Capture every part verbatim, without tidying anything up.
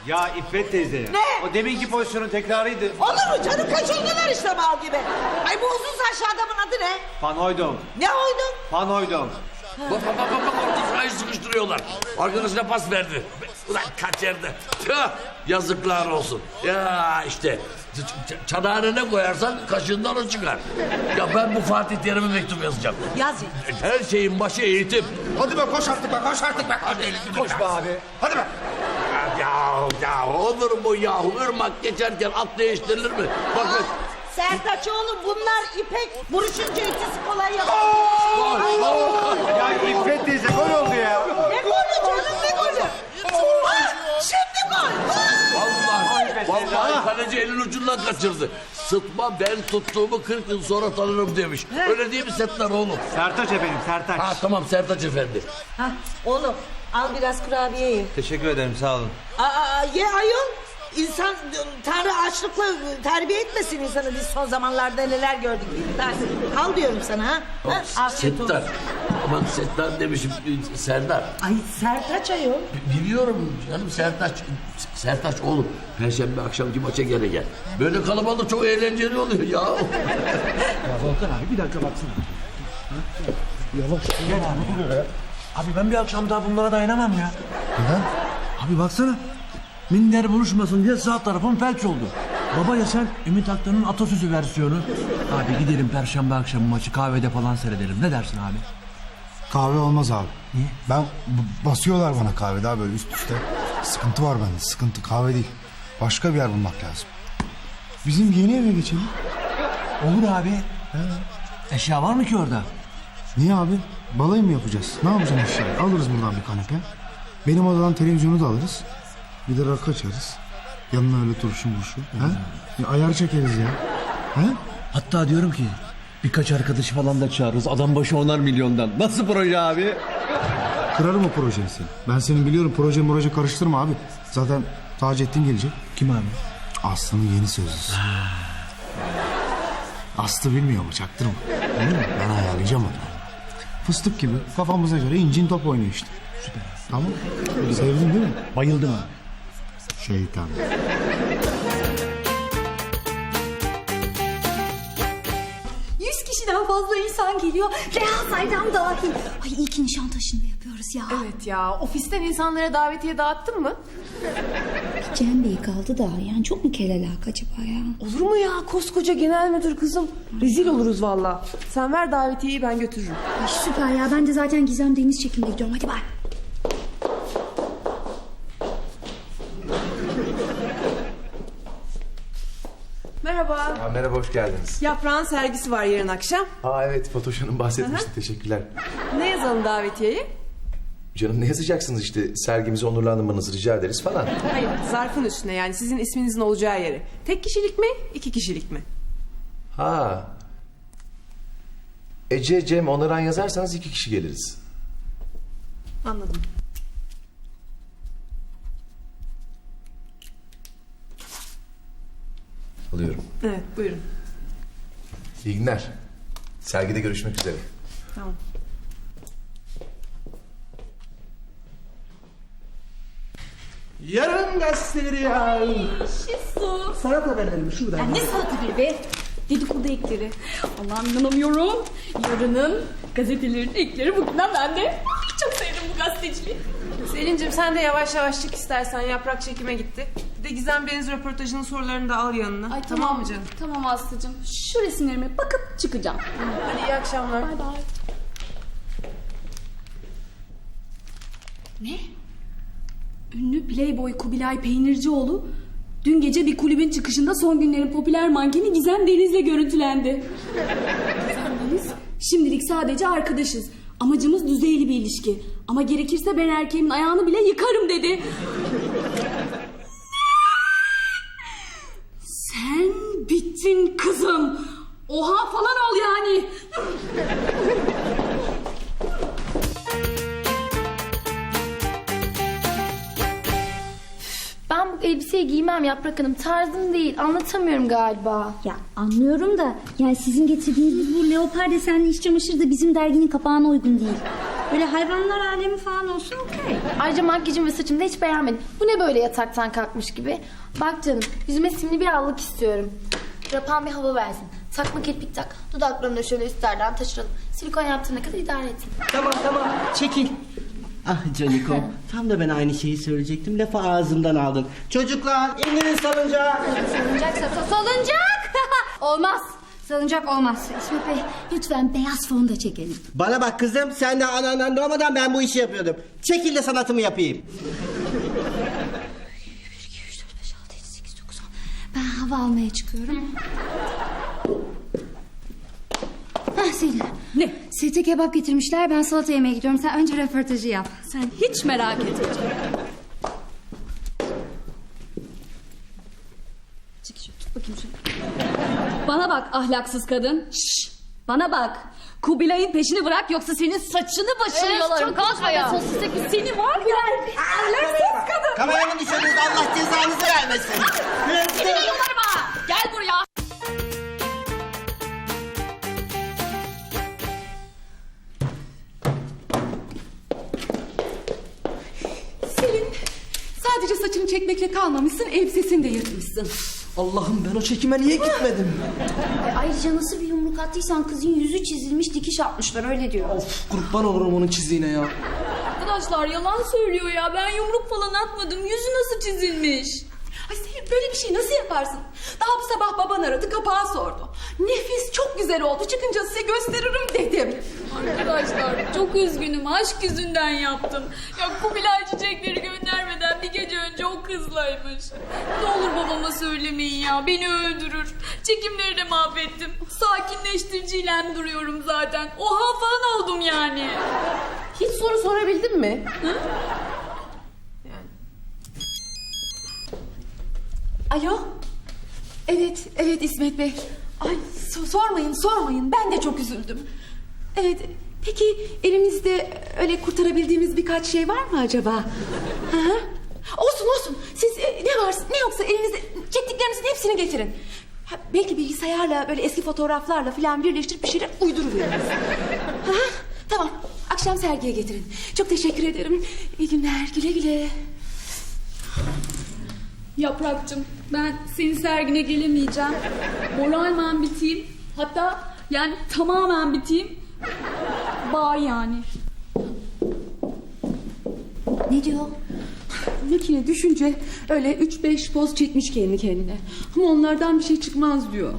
Ya İffet teyze. Ne? O deminki pozisyonun tekrarıydı. Olur mu canım, kaçırdılar işte mal gibi. Ay bu uzun saçlı adamın adı ne? Van Hooydonk. Ne oydun? Van Hooydonk. Bak bak bak bak orta sırayı sıkıştırıyorlar. Arkadaşına pas verdi. Ulan kaçırdı. Tüh, yazıklar olsun. Ya işte ç- ç- çanağına ne koyarsan kaşığından o çıkar. Ya ben bu Fatih Terim'e mektup yazacağım. Yaz. Her şeyin başı eğitim. Hadi be koş artık be koş artık be. Hadi, Koş be abi. hadi be. Ya ya olur mu yahu? Irmak geçerken at değiştirilir mi? Bak bak. Sertaç oğlum, bunlar İpek. Buruşunca ötesi kolay yapar. Gol, gol. Ya İffet teyze gol oldu ya. Ne golü canım, ne golü? Ha, şimdi gol. Vallahi, vallahi kaleci elin ucundan kaçırdı. Sıtma ben tuttuğumu kırk yıl sonra tanırım demiş. Öyle değil mi Settar oğlum? Sertaç efendim Sertaç. Ha tamam Sertaç efendi. Ha, oğlum al biraz kurabiye ye. Teşekkür ederim sağ olun. Aa, ye ayol. İnsan, Tanrı açlıkla terbiye etmesin insanı. Biz son zamanlarda neler gördük. Ben, al diyorum sana ha. ha afiyet olsun. Settar. Aman Settar demişim Serdar. Ay Sertaç ayol. Biliyorum canım Sertaç. Sertaç oğlum. Perşembe akşamki maça gene gel. Böyle kalabalık çok eğlenceli oluyor ya. Ya Volkan abi bir dakika baksana. Yavaş. Gel abi. Abi ben bir akşam daha bunlara dayanamam ya. Neden? Abi baksana. Minder buluşmasın diye sağ tarafım felç oldu. Baba ya sen Ümit Aktan'ın atasözü versiyonu. Abi gidelim perşembe akşamı maçı kahvede falan seyredelim. Ne dersin abi? Kahve olmaz abi. Niye? Ben b- basıyorlar bana kahve daha böyle üst üste. Sıkıntı var bende, sıkıntı, kahve değil. Başka bir yer bulmak lazım. Bizim yeni eve geçelim. Olur abi. He. Eşya var mı ki orada? Niye abi? Balayı mı yapacağız? Ne yapacağız eşyayı? Alırız buradan bir kanepe. Benim odadan televizyonu da alırız. Bir de rakı açarız. Yanına öyle turşu murşu. Ha? Ya ayar çekeriz ya. Ha? Hatta diyorum ki birkaç arkadaşı falan da çağırırız. Adam başı onar milyondan. Nasıl proje abi? Kırarım o projeyi seni. Ben senin biliyorum proje proje karıştırma abi. Zaten Taceddin gelecek. Kim abi? Aslı'nın yeni sözlüsü. Aslı bilmiyor mu, çaktırma. Değil mi? Ben ayarlayacağım onu. Fıstık gibi kafamıza göre incin top oynuyor işte. Süper. Tamam. Sevdin değil mi? Bayıldım abi. Şeytan. Yüz kişiden fazla insan geliyor. Reha Saydam dahil. Ay iyi ki Nişantaşı'nda yapıyoruz ya. Evet ya, ofisten insanlara davetiye dağıttın mı? Cem Bey kaldı da yani çok mu kelelak acaba ya? Olur mu ya, koskoca genel müdür kızım. Rezil oluruz valla. Sen ver davetiyeyi, ben götürürüm. Ay süper ya, ben de zaten Gizem Deniz çekimine gidiyorum. Hadi bay. Merhaba. Ha, merhaba, hoş geldiniz. Yaprağın sergisi var yarın akşam. Aa evet, Fatoş Hanım bahsetmişti. Teşekkürler. Ne yazalım davetiyeyi? Canım ne yazacaksınız işte, sergimizi onurlandırmanızı rica ederiz falan. Hayır, zarfın üstüne, yani sizin isminizin olacağı yere. Tek kişilik mi, iki kişilik mi? Ha. Ece, Cem, Onaran yazarsanız iki kişi geliriz. Anladım. Alıyorum. Evet, buyurun. İyi günler. Sergide görüşmek üzere. Tamam. Yarın gazeteleri ya. Şisu. Sanat haberleri şurada. Ya ne sanatı bir be? Dedikodu ekleri. Allah'ım inanamıyorum. Yarının gazetelerin ekleri bugünden bende. Çok sevdim bu gazeteciliği. Selin'cim sen de yavaş yavaş çık istersen, Yaprak çekime gitti. Bir de Gizem Deniz röportajının sorularını da al yanına. Ay tamam mı canım? Tamam Aslı'cığım. Şu resimlerime bakıp çıkacağım. Hadi iyi akşamlar. Bay bay. Ne? Ünlü Playboy Kubilay Peynircioğlu dün gece bir kulübün çıkışında son günlerin popüler mankeni Gizem Deniz'le görüntülendi. Gizem Deniz, şimdilik sadece arkadaşız. Amacımız düzeyli bir ilişki. Ama gerekirse ben erkeğimin ayağını bile yıkarım dedi. Sen bittin kızım. Oha falan ol yani. Ben bu elbiseyi giymem Yaprak Hanım. Tarzım değil. Anlatamıyorum galiba. Ya anlıyorum da yani sizin getirdiğiniz bu leopar desenli iç çamaşırı da bizim derginin kapağına uygun değil. Böyle hayvanlar alemi falan olsun okey. Ayrıca makyajım ve saçımı da hiç beğenmedim. Bu ne böyle yataktan kalkmış gibi? Bak canım, yüzüme simli bir allık istiyorum. Rapan bir hava versin. Takma kirpik tak. Dudaklarını da şöyle üstlerden taşıralım. Silikon yaptığına kadar idare etsin. Tamam tamam çekil. Ah Canikom, tam da ben aynı şeyi söyleyecektim. Lafı ağzımdan aldın. Çocuklar indirin salıncağı. Salıncak, salıncak. Olmaz. Salıncak olmaz. İsmet Bey lütfen beyaz fon da çekelim. Bana bak kızım, sen de anandan doğmadan ben bu işi yapıyordum. Çekil de sanatımı yapayım. bir, iki, üç, dört, beş, altı, yedi, sekiz, dokuz, on. Ben hava almaya çıkıyorum. Hah Selin. Ne? Sete kebap getirmişler. Ben salata yemeye gidiyorum. Sen önce röportajı yap. Sen hiç merak etme. Çık şu, tut bakayım şunu. Bana bak ahlaksız kadın. Şşş, bana bak. Kubilay'ın peşini bırak yoksa senin saçını başını yolarım. Kalkma ya. Sosisteki seni var ya. Ahlaksız kadın. Kameramı düşürdünüz, Allah cezanızı vermesin. Seni de yolarım ha. Gel buraya. Selin, sadece saçını çekmekle kalmamışsın, elbisesini de yırtmışsın. Allah'ım, ben o çekime niye gitmedim? Ay, ayrıca nasıl bir yumruk attıysan kızın yüzü çizilmiş, dikiş atmışlar öyle diyor. Of, kurban olurum onun çizdiğine ya. Arkadaşlar yalan söylüyor ya. Ben yumruk falan atmadım. Yüzü nasıl çizilmiş? Ay Selin, böyle bir şey nasıl yaparsın? Daha bu sabah baban aradı, kapağı sordu. Nefis, çok güzel oldu, çıkınca size gösteririm dedim. Arkadaşlar çok üzgünüm. Aşk yüzünden yaptım. Ya Kubilay çiçekleri göndermeden bir gece önce o kızlaymış. Ne olur babama söylemeyin ya. Beni öldürür. Çekimleri de mahvettim. Sakinleştiriciyle duruyorum zaten. Oha falan oldum yani. Hiç soru sorabildin mi? Hı? Alo? Evet, evet İsmet Bey. Ay so- sormayın, sormayın. Ben de çok üzüldüm. Evet, peki elimizde öyle kurtarabildiğimiz birkaç şey var mı acaba? Hı hı. Olsun olsun. Siz e, ne varsa ne yoksa elinizde çektiklerinizin hepsini getirin. Ha, belki bilgisayarla böyle eski fotoğraflarla falan birleştirip bir şeyler uyduruveririz. Hı hı. Tamam. Akşam sergiye getirin. Çok teşekkür ederim. İyi günler. Güle güle. Yaprakcığım ben senin sergine gelemeyeceğim. Moralmen biteyim. Hatta yani tamamen biteyim. Bağ yani. Ne diyor? Makine düşünce öyle üç beş poz çekmiş kendi kendine. Ama onlardan bir şey çıkmaz diyor.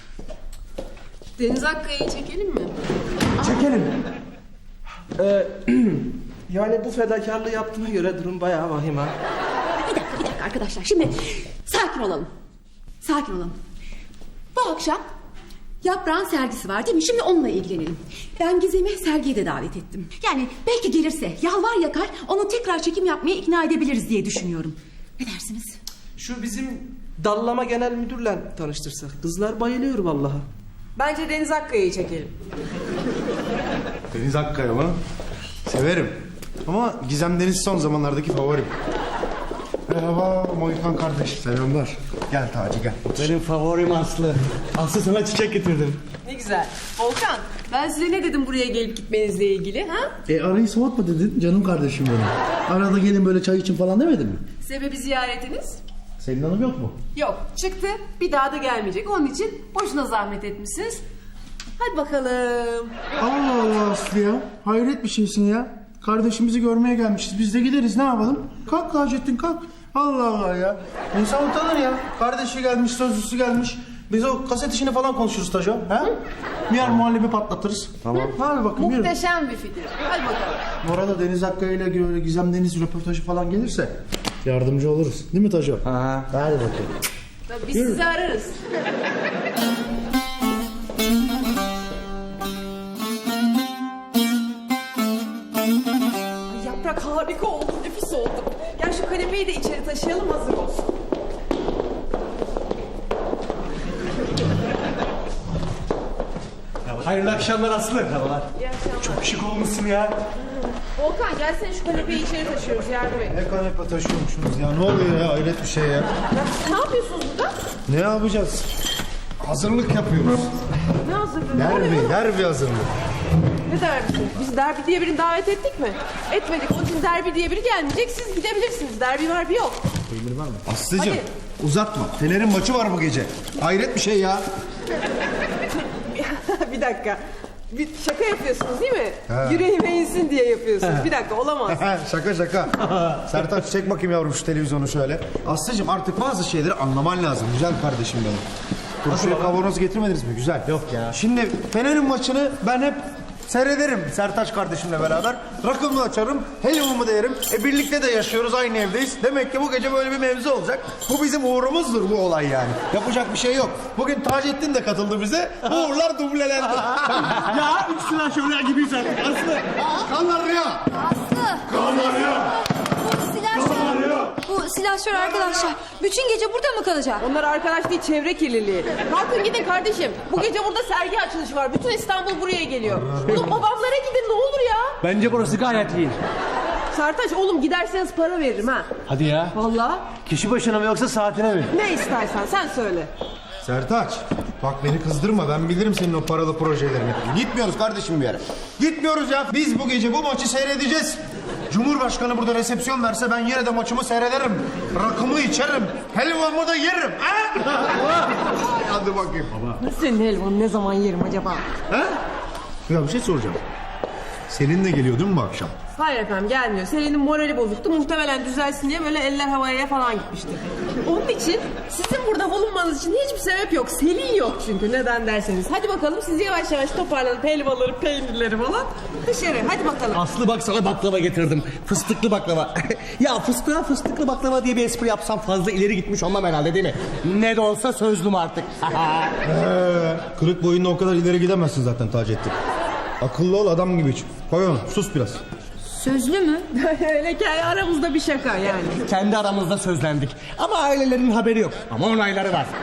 Deniz Akkaya'yı çekelim mi? Çekelim. Ee, yani bu fedakarlığı yaptığına göre durum bayağı vahim ha. Bir dakika, bir dakika arkadaşlar. Şimdi sakin olalım. Sakin olalım. Bu akşam Yaprağın sergisi var değil mi? Şimdi onunla ilgilenelim. Ben Gizem'i sergiye de davet ettim. Yani belki gelirse yalvar yakar onu tekrar çekim yapmaya ikna edebiliriz diye düşünüyorum. Ne dersiniz? Şu bizim dallama genel müdürle tanıştırsak. Kızlar bayılıyor vallahi. Bence Deniz Akkaya'yı çekelim. Deniz Akkaya mı? Severim. Ama Gizem Deniz son zamanlardaki favorim. Merhaba Mohikan kardeş. Selamlar. Gel Taci gel. Benim favorim Aslı. Aslı sana çiçek getirdim. Ne güzel. Volkan, ben size ne dedim buraya gelip gitmenizle ilgili ha? E arayı soğutma dedin canım kardeşim benim. Arada gelin böyle çay için falan demedin mi? Sebebi ziyaretiniz? Selin Hanım yok mu? Yok, çıktı. Bir daha da gelmeyecek. Onun için boşuna zahmet etmişsiniz. Hadi bakalım. Allah Allah Aslı ya. Hayret bir şeysin ya. Kardeşimizi görmeye gelmişiz. Biz de gideriz ne yapalım? Kalk Taceddin kalk. Allah Allah ya. İnsan utanır ya. Kardeşi gelmiş, sözlüsü gelmiş. Biz o kaset işini falan konuşuruz Taco. Ha? Bir yer muhallebi patlatırız. Tamam. Hadi bakın yürü. Muhteşem bir fikir. Hadi bakalım. Bu arada Deniz Akkaya ile böyle Gizem Deniz röportajı falan gelirse yardımcı oluruz. Değil mi Taco? Ha. Hadi bakayım. Tabii biz sizi ararız. Ay, yaprak harika oldu, nefis oldu. Gel şu kanepeyi de içeri taşıyalım, hazır olsun. Hayırlı akşamlar Aslı. Merhabalar. İyi akşamlar. Çok şık olmuşsun ya. Volkan gelsene şu kanepeyi içeri taşıyoruz, yardım et. Ne kanepe taşıyormuşsunuz ya. Ne oluyor ya? Hayret bir şey ya. Ya, ne yapıyorsunuz burada? Ne yapacağız? Hazırlık yapıyoruz. Ne hazırlığı? Ne Derbi, oluyor? derbi hazırlık. Ne derbisi? Biz derbi diye birini davet ettik mi? Etmedik. Onun için derbi diye biri gelmeyecek. Siz gidebilirsiniz. Derbi marbi yok. Aslıcığım Hadi. uzatma. Fener'in maçı var bu gece. Hayret bir şey ya. Bir dakika. Bir şaka yapıyorsunuz değil mi? Ha. Yüreğime insin diye yapıyorsunuz. Bir dakika olamaz. şaka şaka. Sertaç çek bakayım yavrum şu televizyonu şöyle. Aslıcığım artık bazı şeyleri anlaman lazım. Güzel kardeşim benim. Turşuya kavanoz getirmediniz mi? Güzel. Yok ya. Şimdi Fener'in maçını ben hep seyrederim Sertaç kardeşimle beraber. Rakımı açarım, helvamı da yerim. E birlikte de yaşıyoruz, aynı evdeyiz. Demek ki bu gece böyle bir mevzu olacak. Bu bizim uğrumuzdur bu olay yani. Yapacak bir şey yok. Bugün Taceddin de katıldı bize. Uğurlar dublelendi. Ya üç sıra şöyle gibiyiz artık Aslı. Kanarya. Aslı. Kanarya. Bu silahşör. Bu silahşör arkadaşlar. Bütün gece burada mı kalacak? Onlar arkadaş değil, çevre kirliliği. Kalkın gidin kardeşim. Bu gece burada sergi açılışı var. Bütün İstanbul buraya geliyor. Oğlum babamlara gidin ne olur ya. Bence burası gayet iyi. Sertaç oğlum giderseniz para veririm ha. Hadi ya. Vallahi. Kişi başına mı yoksa saatine mi? Ne istersen sen söyle. Sertaç, bak beni kızdırma. Ben bilirim senin o paralı projelerini. Gitmiyoruz kardeşim bir yere. Gitmiyoruz ya. Biz bu gece bu maçı seyredeceğiz. Cumhurbaşkanı burada resepsiyon verse ben yine de maçımı seyrederim. Rakımı içerim. Helvamı da yerim. Ha? Hadi bakayım. Baba. Senin helvanı ne zaman yerim acaba? Ha? Ya bir şey soracağım. Selin de geliyor değil mi bu akşam? Hayır efendim gelmiyor. Selin'in morali bozuktu. Muhtemelen düzelsin diye böyle eller havaya falan gitmişti. Onun için sizin burada bulunmanız için hiçbir sebep yok. Selin yok çünkü neden derseniz. Hadi bakalım siz yavaş yavaş toparlanıp helvaları, peynirleri falan dışarı. Hadi bakalım. Aslı bak sana baklava getirdim. Fıstıklı baklava. Ya fıstığa fıstıklı baklava diye bir espri yapsam fazla ileri gitmiş olmam herhalde değil mi? Ne de olsa sözlüm artık. Ee, kırık boyunla o kadar ileri gidemezsin zaten Taceddin. Akıllı ol, adam gibi iç. Koy onu, sus biraz. Sözlü mü? Öyle ki aramızda bir şaka yani. Kendi aramızda sözlendik. Ama ailelerinin haberi yok. Ama onayları var.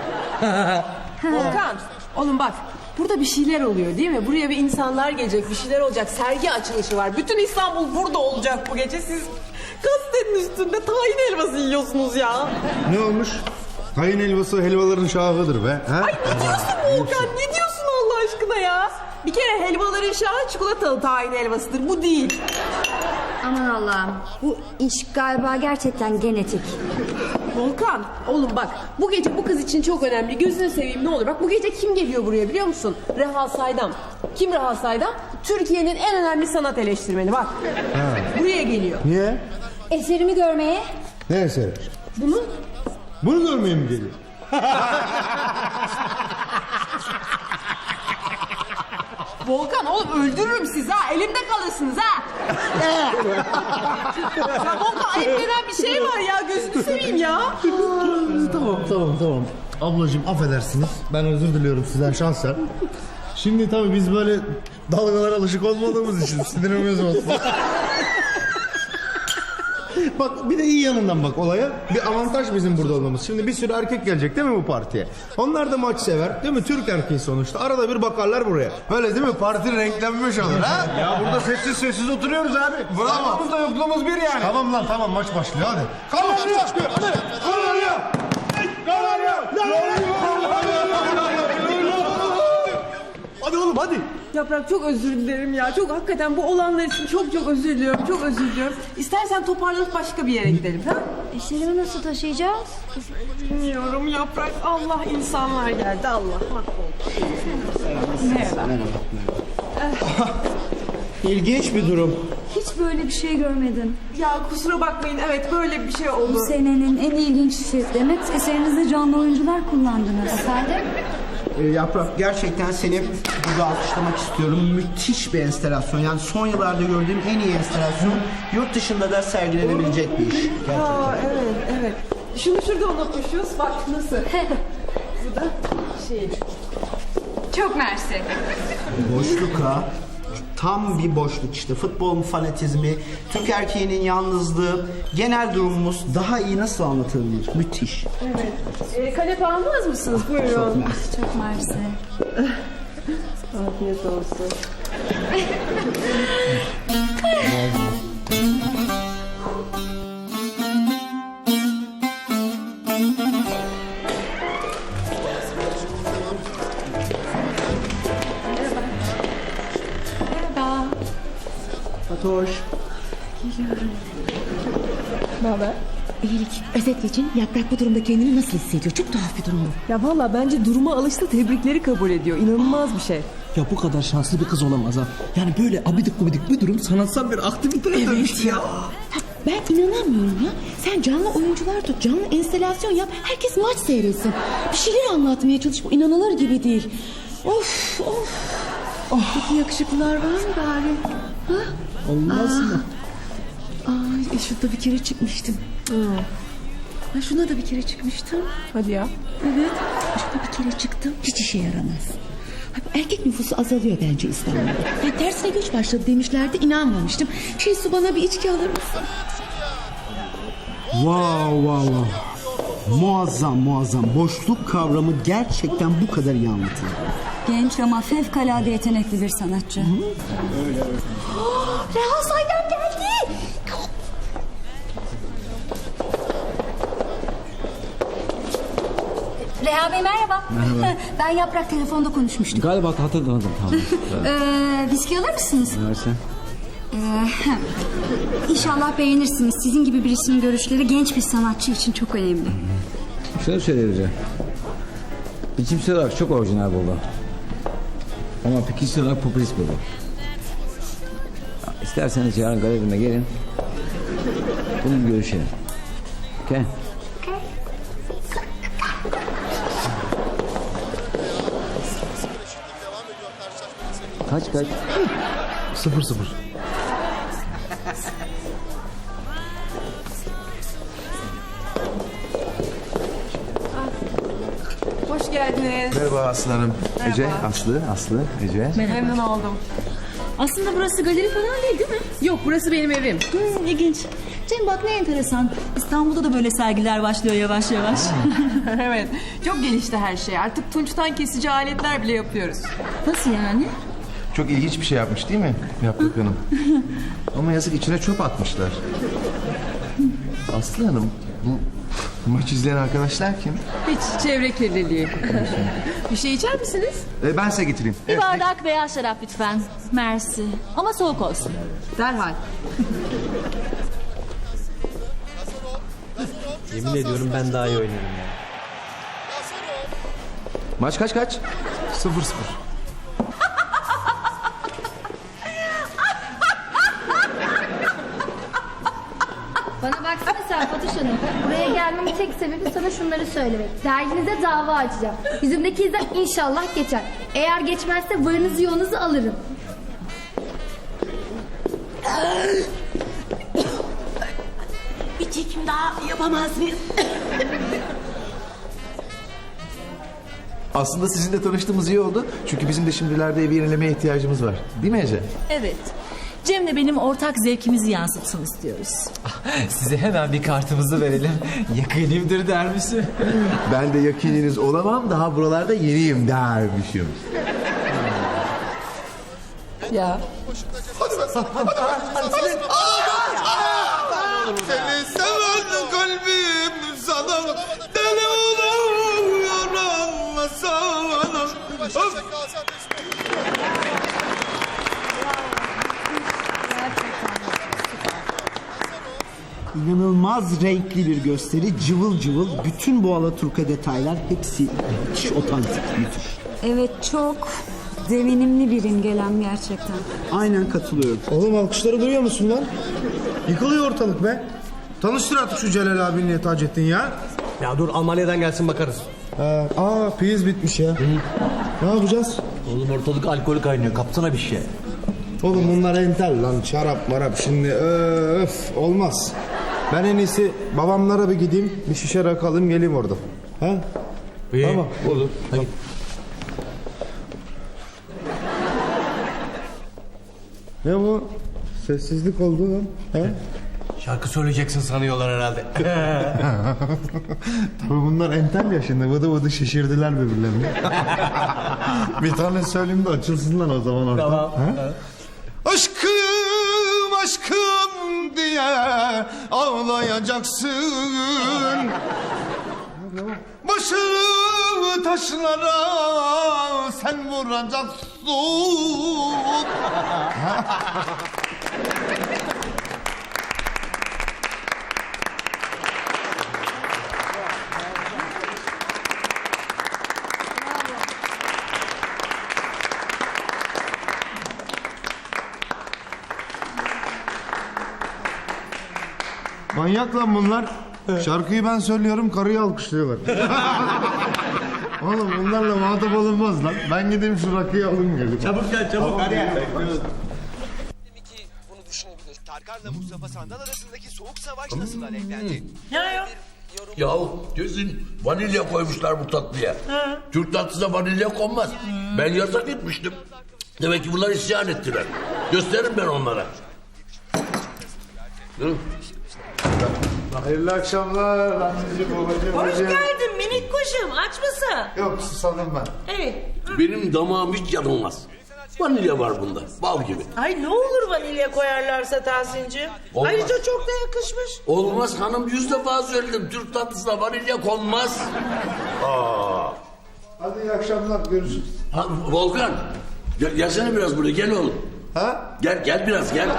Volkan, oğlum bak. Burada bir şeyler oluyor değil mi? Buraya bir insanlar gelecek, bir şeyler olacak. Sergi açılışı var. Bütün İstanbul burada olacak bu gece. Siz gazetenin üstünde tahin helvası yiyorsunuz ya. Ne olmuş? Kayın helvası helvaların şahıdır be. Ha? Ay ne diyorsun Volkan? Ne diyorsun Allah aşkına ya? Bir kere helvaların şahı çikolatalı tahin helvasıdır. Bu değil. Aman Allah'ım. Bu iş galiba gerçekten genetik. Volkan, oğlum bak bu gece bu kız için çok önemli. Gözünü seveyim ne olur. Bak bu gece kim geliyor buraya biliyor musun? Reha Saydam. Kim Reha Saydam? Türkiye'nin en önemli sanat eleştirmeni bak. Ha. Buraya geliyor. Niye? Eserimi görmeye. Ne eseri? Bunu? Bunu görmeye mi geliyor? Volkan oğlum öldürürüm sizi ha. Elimde kalırsınız ha. Ya Volkan ayıp denen bir şey var ya. Gözünü seveyim ya. Tamam tamam tamam. Ablacığım affedersiniz. Ben özür diliyorum sizden şahsen. Şimdi tabii biz böyle dalgalara alışık olmadığımız için sinirimiz olsun. Bak bir de iyi yanından bak olaya. Bir avantaj bizim burada olmamız. Şimdi bir sürü erkek gelecek değil mi bu partiye? Onlar da maç sever değil mi? Türk erkeği sonuçta. Arada bir bakarlar buraya. Öyle değil mi? Parti renklenmiş olur ha? Ya burada sessiz sessiz oturuyoruz abi. Bravo. Aramızda yokluğumuz bir yani. Tamam lan tamam maç başlıyor hadi. Kanarya! Hadi! Kanarya! Kanarya! Hadi oğlum hadi. Yaprak çok özür dilerim ya. Çok hakikaten bu olanlar için çok çok özür diliyorum. Çok özür diliyorum. İstersen toparlanıp başka bir yere gidelim ha? Eserimi nasıl taşıyacağız? Bilmiyorum Yaprak. Allah insanlar geldi. Allah mahvoldu. Merhaba. İlginç bir durum. Hiç böyle bir şey görmedim. Ya kusura bakmayın. Evet böyle bir şey oldu. Bu senenin en ilginç işi. Demek eserinizde canlı oyuncular kullandınız. Efendim? Ee, Yaprak gerçekten seni burada alkışlamak istiyorum. Müthiş bir enstelasyon. Yani son yıllarda gördüğüm en iyi enstelasyon. Yurt dışında da sergilenebilecek bir iş. Gerçekten. Aa, evet evet. Şunu şurada unutmuşuz. Bak nasıl. Bu da şey. Çok mersi. Boşluk ha. Tam bir boşluk işte. Futbolun fanatizmi, Türk erkeğinin yalnızlığı, genel durumumuz daha iyi nasıl anlatılır? Müthiş. Evet. Ee, kanepe almaz mısınız? Buyurun. Çok mersi. Çok mersi. Afiyet olsun. Fatoş. Ne haber? İyilik. Özetle için Yaprak bu durumda kendini nasıl hissediyor? Çok tuhaf bir durum bu. Ya valla bence duruma alıştı, tebrikleri kabul ediyor. İnanılmaz bir şey. Ya bu kadar şanslı bir kız olamaz ha. Yani böyle abidik gubidik bir durum sanatsal bir aktiviteye dönüştü ya. Ha, ben inanamıyorum ya. Sen canlı oyuncular tut, canlı enstelasyon yap. Herkes maç seyretsin. Bir şeyler anlatmaya çalış. Bu inanılır gibi değil. Of of. Oh. Peki yakışıklılar var mı bari? Ha? Olmaz Aa. mı? Ay, şurada bir kere çıkmıştım. Hmm. Ha, şuna da bir kere çıkmıştım. Hadi ya. Evet. Şuna bir kere çıktım. Hiç işe yaramaz. Erkek nüfusu azalıyor bence İstanbul'da. Yani tersine göç başladı demişlerdi, inanmamıştım. Şey su bana bir içki alır mısın? Wow wow wow. Muazzam muazzam. Boşluk kavramı gerçekten bu kadar iyi anlatılıyor. Genç ama fevkalade yetenekli bir sanatçı. Öyle öyle. Reha Saydam geldi. Reha Bey merhaba. Merhaba. Ben Yaprak telefonda konuşmuştuk. Galiba hatırladım tamam. Ee, viski alır mısınız? Versen. Ee, İnşallah beğenirsiniz. Sizin gibi birisinin görüşleri genç bir sanatçı için çok önemli. Şunu söyleyeceğim. Biçimsel olarak çok orijinal buldu. Ama fikirsel olarak popülist buldu. İsterseniz yarın galerime gelin. Bunu görüşelim. Okay. Kaç kaç? Sıfır sıfır. Hoş geldiniz. Merhaba Aslı Hanım. Merhaba. Ece, Aslı, Aslı, Ece. Memnun oldum. Aslında burası galeri falan değil değil mi? Yok, burası benim evim. Hmm, ilginç. Cem bak ne enteresan. İstanbul'da da böyle sergiler başlıyor yavaş yavaş. Evet, çok gelişti her şey. Artık tunçtan kesici aletler bile yapıyoruz. Nasıl yani? Çok ilginç bir şey yapmış değil mi Yaprak Hanım? Ama yazık içine çöp atmışlar. Aslı Hanım, bu maç izleyen arkadaşlar kim? Hiç çevre kirliliği. Bir şey içer misiniz? Ee, ben size getireyim. Bir Evet, bardak beyaz şarap lütfen. Mersi. Ama soğuk olsun. Derhal. Yemin ediyorum ben daha iyi oynarım ya. Maç kaç kaç? Sıfır sıfır. Bana baksana sen Fatoş Hanım. Buraya gelmemin tek sebebi sana şunları söylemek. Derginize dava açacağım. Yüzümdeki izler inşallah geçer. Eğer geçmezse varınızı yoğunuzu alırım. Bir çekim daha yapamaz mıyız? Aslında sizinle tanıştığımız iyi oldu. Çünkü bizim de şimdilerde evi yenilemeye ihtiyacımız var. Değil mi Ece? Evet. Cem'le benim ortak zevkimizi yansıtsın istiyoruz. Size hemen bir kartımızı verelim. Yakınımdır dermişim. Ben de yakininiz olamam. Daha buralarda yeniyim dermişim. Ya. Seni seven kalbim sana deli oluyor anlasana. İnanılmaz renkli bir gösteri, cıvıl cıvıl, bütün bu alaturka detaylar hepsi müthiş otantik, müthiş. Evet çok devinimli bir imgelem gerçekten. Aynen katılıyorum. Oğlum alkışları duyuyor musun lan? Yıkılıyor ortalık be. Tanıştır artık şu Celal abinle Taceddin ya. Ya dur Almanya'dan gelsin bakarız. Ha, aa piyiz bitmiş ya. Ne yapacağız? Oğlum ortalık alkolü kaynıyor. Kapsana bir şey. Oğlum bunlar entel lan, şarap marap şimdi öf olmaz. Ben en iyisi babamlara bir gideyim, bir şişe rakı alayım geleyim orada. Ha? İyi. Tamam. Olur. Hadi. Ne bu? Sessizlik oldu lan. Ha? Şarkı söyleyeceksin sanıyorlar herhalde. Tabii bunlar entel ya şimdi vıdı vıdı şişirdiler birbirlerini. Bir tane söyleyeyim de açılsınlar o zaman orada. Tamam. Ha? Aşkım aşkım diye ağlayacaksın. Başını taşlara sen vuracaksın. Manyak lan bunlar. Şarkıyı ben söylüyorum, karıyı alkışlıyorlar. Oğlum bunlarla muhatap olunmaz lan. Ben gideyim şu rakıyı alayım gelip. Çabuk gel çabuk. Hadi ya. Bunu düşünebilir. Tarkan'la Mustafa Sandal arasındaki soğuk savaş nasıl alevlendi? Ya ya. Yahu kesin vanilya koymuşlar bu tatlıya. Türk tatlısına vanilya konmaz. Ben yasak etmiştim. Demek ki bunlar isyan ettiler. Gösteririm ben onlara. Yürü. Hayırlı akşamlar anneciğim, babacığım. Hoş hocam. geldin minik kuşum. Aç mısın? Yok, susadım ben. Evet. Benim damağım hiç yanılmaz. Vanilya var bunda. Bal gibi. Ay ne olur vanilya koyarlarsa Tahsin'ciğim. Olmaz. Ayrıca çok da yakışmış. Olmaz hanım, yüz defa söyledim. Türk tatlısına vanilya konmaz. Aa. Hadi iyi akşamlar, görüşürüz. Ha, Volkan. Gel, gelsene biraz buraya, gel oğlum. Ha? Gel, gel biraz, gel.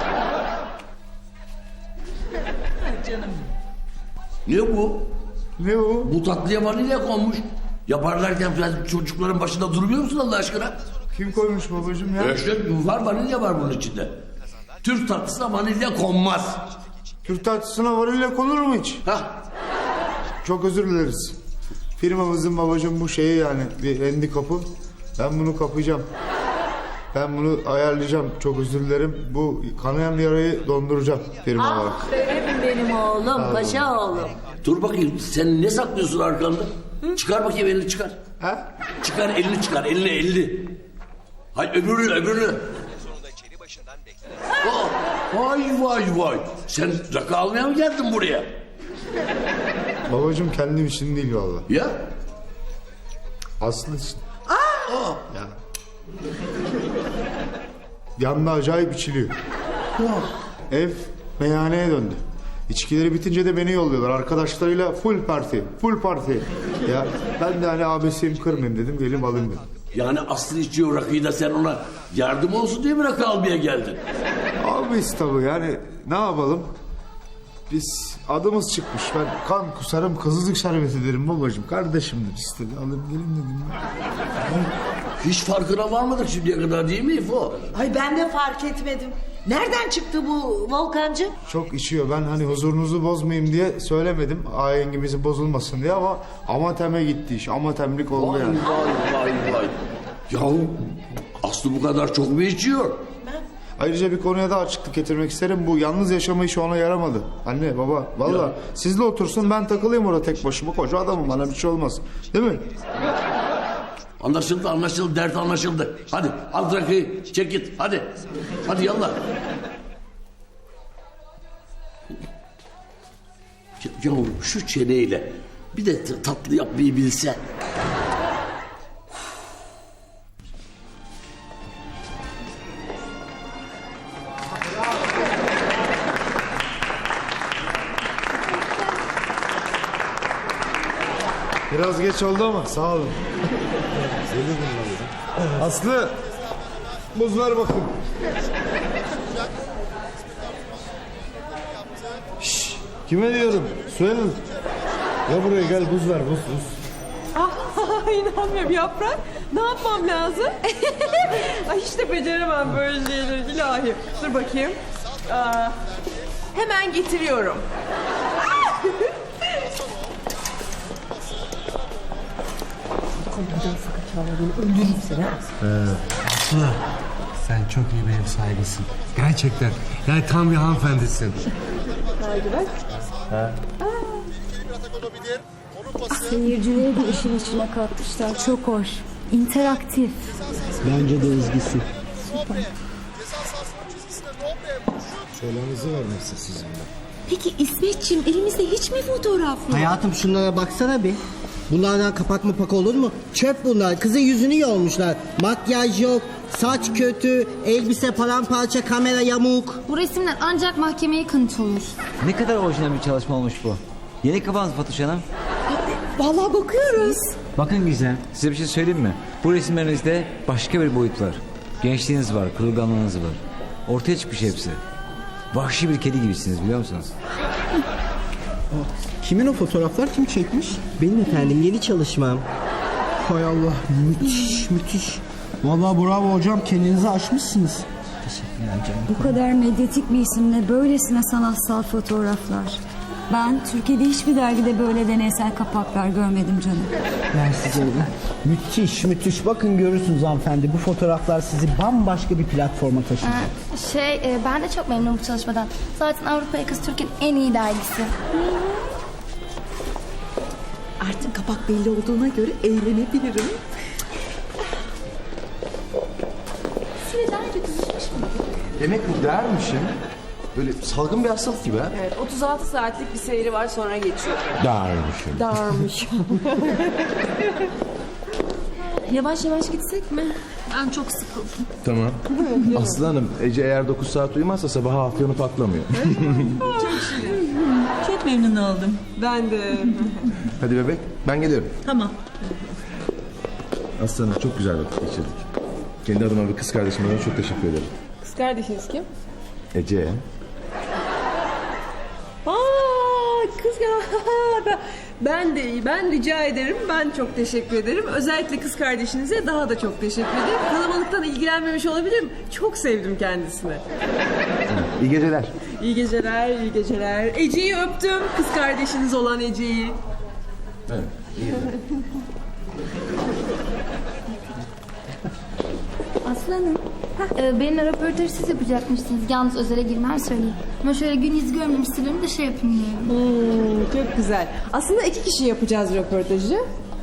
Canım. Ne bu? Ne o? Bu tatlıya vanilya konmuş. Yaparlarken sen çocukların başında durmuyor musun Allah aşkına? Kim koymuş babacığım ya? İşte var, vanilya var bunun içinde. Türk tatlısına vanilya konmaz. Türk tatlısına vanilya konur mu hiç? Hah. Çok özür dileriz. Firmamızın babacığım bu şeyi yani bir handikapı. Ben bunu kapayacağım. Ben bunu ayarlayacağım. Çok özür dilerim. Bu kanayan yarayı donduracağım firma olarak. Aferin benim oğlum, paşa oğlum. Dur bakayım, sen ne saklıyorsun arkanda? Çıkar bakayım, elini çıkar. Ha? Çıkar elini, çıkar elini, elini. Hay öbürünü, öbürünü. Aa, vay vay vay. Sen rakı almaya mı geldin buraya? Babacığım kendim için değil vallahi. Ya? Aslı için. Aa! Ya. Yanında acayip içiliyor. Ev meyhaneye döndü. İçkileri bitince de beni yolluyorlar. Arkadaşlarıyla full parti, full parti. Ya ben de hani abisiyim kırmayayım dedim, gelip alayım dedim. Yani Aslı içiyor rakıyı da sen ona yardım olsun diye mi rakı almaya geldin? Abis tabii yani ne yapalım? Biz adımız çıkmış. Ben kan kusarım, kızılcık şerbeti derim babacığım. Kardeşimdir istedi. Alayım gelin dedim. Hiç farkına varmadık şimdiye kadar değil mi İfo? Ay ben de fark etmedim. Nereden çıktı bu Volkancı? Çok içiyor. Ben hani huzurunuzu bozmayayım diye söylemedim. Ahengimizin bozulmasın diye ama amateme gitti iş. Amatemlik oldu Vay yani. vay vay vay. Yahu Aslı bu kadar çok mu içiyor? Ayrıca bir konuya daha açıklık getirmek isterim. Bu yalnız yaşama işi ona yaramadı. Anne, baba, valla sizle otursun ben takılayım orada tek başıma. Koca adamım, bana bir şey olmaz. Değil mi? Anlaşıldı, anlaşıldı, dert anlaşıldı. Hadi al rakıyı, çek git, hadi. Hadi yallah. Ya, yahu şu çeneyle bir de t- tatlı yapmayı bilse. Biraz geç oldu ama sağ olun. Aslı, buz ver bakayım. Şşş, kime diyorum? Söyleyin. Ya buraya gel, buz ver, buz, buz. Ah, inanmıyorum Yaprak. Ne yapmam lazım? Ay hiç de beceremem böyle şeyleri ilahi. Dur bakayım. Aa, hemen getiriyorum. Aslı, sen çok iyi bir ev sahibisin. Gerçekten. Yani tam bir hanımefendisin. Ha. Seyircileri de işin içine katmışlar. Çok hoş. İnteraktif. Bence de ezgisi. Selamınızı vermezse sizin. Peki İsmetciğim elimizde hiç mi fotoğraf yok? Hayatım şunlara baksana bir. Bunlardan kapak mı pak olur mu? Çöp bunlar. Kızın yüzünü yolmuşlar. Makyaj yok, saç kötü, elbise paramparça, kamera yamuk. Bu resimler ancak mahkemeye kanıt olur. Ne kadar orijinal bir çalışma olmuş bu. Yeni kafanız Fatoş Hanım. Vallahi bakıyoruz. Bakın güzel. Size bir şey söyleyeyim mi? Bu resimlerinizde başka bir boyut var. Gençliğiniz var, kırılganlığınız var. Ortaya çıkmış hepsi. Vahşi bir kedi gibisiniz biliyor musunuz? Kimin o fotoğraflar, kim çekmiş? Benim efendim, yeni çalışmam. Hay Allah, müthiş müthiş. Vallahi bravo hocam, kendinizi aşmışsınız. Teşekkürler canım. Bu kadar medyatik bir isimle böylesine sanatsal fotoğraflar. Ben Türkiye'de hiçbir dergide böyle deneysel kapaklar görmedim canım. Mersi canım. Müthiş müthiş. Bakın görürsünüz hanımefendi. Bu fotoğraflar sizi bambaşka bir platforma taşıyacak. Ee, şey e, ben de çok memnunum bu çalışmadan. Zaten Avrupa Yakası Türkiye'nin en iyi dergisi. Artık kapak belli olduğuna göre eğlenebilirim. Size daha önce tanışmış mıydı? Demek bu dermişim. Böyle salgın bir hastalık gibi ha. Evet, otuz altı saatlik bir seyri var, sonra geçiyor. Dermişim. Darmış. Yavaş yavaş gitsek mi? Ben çok sıkıldım. Tamam. Aslı Hanım, Ece eğer dokuz saat uyumazsa sabah afyonu patlamıyor. Çok şirin. Çok memnun oldum. Ben de. Hadi bebek, ben geliyorum. Tamam. Aslı Hanım, çok güzel vakit geçirdik. Kendi adıma ve kız kardeşime de çok teşekkür ederim. Kız kardeşiniz kim? Ece. Aa, kız ya. Ben de iyi. Ben rica ederim. Ben çok teşekkür ederim. Özellikle kız kardeşinize daha da çok teşekkür ederim. Kalabalıktan ilgilenmemiş olabilirim. Çok sevdim kendisini. İyi geceler. İyi geceler, iyi geceler. Ece'yi öptüm. Kız kardeşiniz olan Ece'yi. Evet, iyi Aslanım. Ee, benimle röportajı siz yapacakmışsınız. Yalnız özele girmem söyleyeyim. Ama şöyle gün yüzü görmemiş sırrımı da şey yapayım diyorum. Hmm, çok güzel. Aslında iki kişi yapacağız röportajı.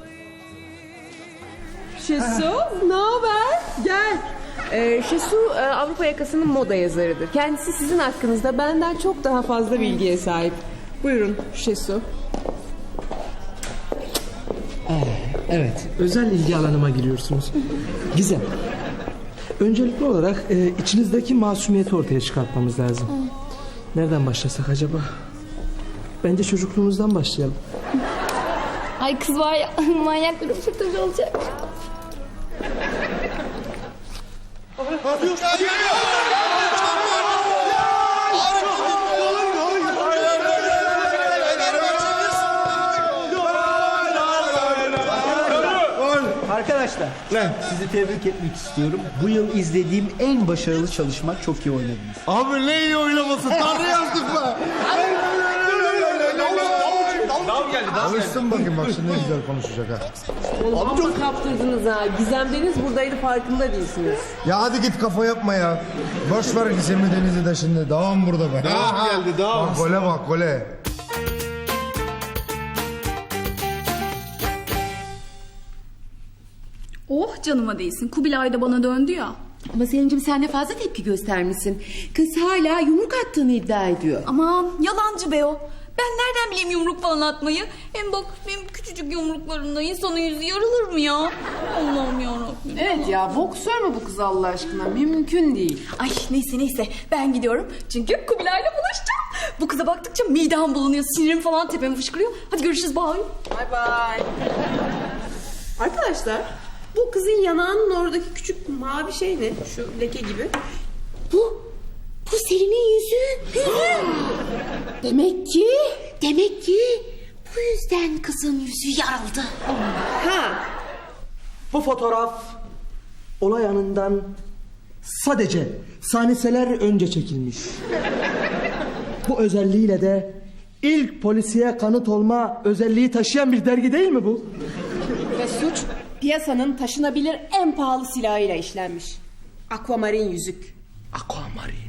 Şesu, ne haber? Gel. Ee, Şesu e, Avrupa Yakası'nın moda yazarıdır. Kendisi sizin hakkınızda benden çok daha fazla bilgiye sahip. Buyurun Şesu. Evet, özel ilgi alanıma giriyorsunuz. Gizem. Öncelikli olarak e, içinizdeki masumiyeti ortaya çıkartmamız lazım. Nereden başlasak acaba? Bence çocukluğumuzdan başlayalım. Ay kız var ya manyak bir röportaj olacak. Arkadaşlar, ne? Sizi tebrik etmek istiyorum. Bu yıl izlediğim en başarılı çalışma, çok iyi oynadınız. Abi ne iyi oynaması, Tanrı yazdık be. Dav geldi, dav geldi. Bakayım bak şimdi ne güzel konuşacak ha. Oğlum amma kaptırdınız ha. Gizem Deniz buradaydı, farkında değilsiniz. Ya hadi git kafa yapma ya. Boş ver Gizem'i Deniz'i de şimdi. Davam burada be. Davam geldi, davam. Bak gole bak gole. Oh canıma değsin. Kubilay da bana döndü ya. Ama Selin'cim sen de fazla tepki göstermişsin. Kız hala yumruk attığını iddia ediyor. Aman yalancı be o. Ben nereden bileyim yumruk falan atmayı? Hem bak benim küçücük yumruklarımda insanın yüzü yarılır mı ya? Allah'ım yarabbim. Evet ya, boksör mü bu kız Allah aşkına? Mümkün değil. Ay neyse neyse ben gidiyorum. Çünkü Kubilay'la buluşacağım. Bu kıza baktıkça midem bulanıyor. Sinirim falan tepeme fışkırıyor. Hadi görüşürüz bye. Bye bye. Arkadaşlar, bu kızın yanağının oradaki küçük mavi şey ne? Şu leke gibi. Bu, bu Selin'in yüzü. Demek ki, demek ki bu yüzden kızın yüzü yarıldı. Ha. Bu fotoğraf olay anından sadece saniyeler önce çekilmiş. Bu özelliğiyle de ilk polisiye kanıt olma özelliği taşıyan bir dergi değil mi bu? Ve suç piyasanın taşınabilir en pahalı silahıyla işlenmiş. Aquamarin yüzük. Aquamarin.